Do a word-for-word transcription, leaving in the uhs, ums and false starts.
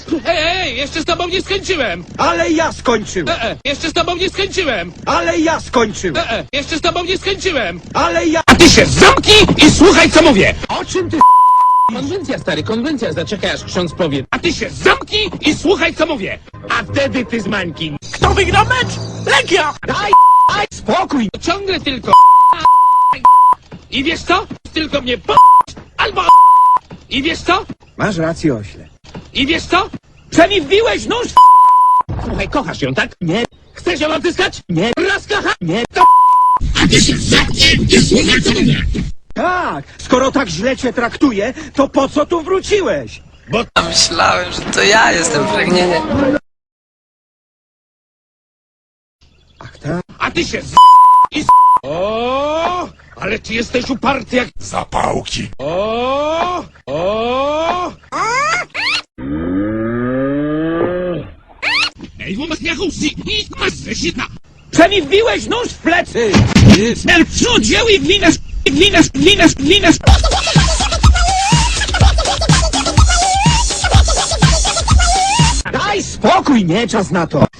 Ej, ej, jeszcze z tobą nie skończyłem! Ale ja skończyłem! E, e, jeszcze z tobą nie skończyłem! Ale ja skończyłem! E, e, jeszcze z tobą nie skończyłem! Ale ja... A ty się zamknij i słuchaj, co mówię! O czym ty... Konwencja, stary, konwencja, zaczekaj aż ksiądz powie. A ty się zamknij i słuchaj, co mówię! A wtedy ty z Mańki. Kto wygrał mecz? Legia! Daj, daj spokój! Ciągle tylko i wiesz co? Tylko mnie po albo i wiesz co? Masz rację, ośle. I wiesz co? Że mi wbiłeś nóż w... Słuchaj, kochasz ją, tak? Nie, Chcesz ją odzyskać? nie, Raz kocha? nie. A ty się zamknij i słuchaj, co mówię! Tak, skoro tak źle cię traktuje, to po co tu wróciłeś? A myślałem, że to ja jestem pragnienie. Ach tak? A ty się z... i z... O, ale ty jesteś uparty jak... Zapałki. O, o. Ej, wobec jachusy i masz zesita. Że mi wbiłeś nóż w plecy! Smel przód wziął i glinasz, glinasz, glinasz, glinasz. Daj spokój, nie czas na to!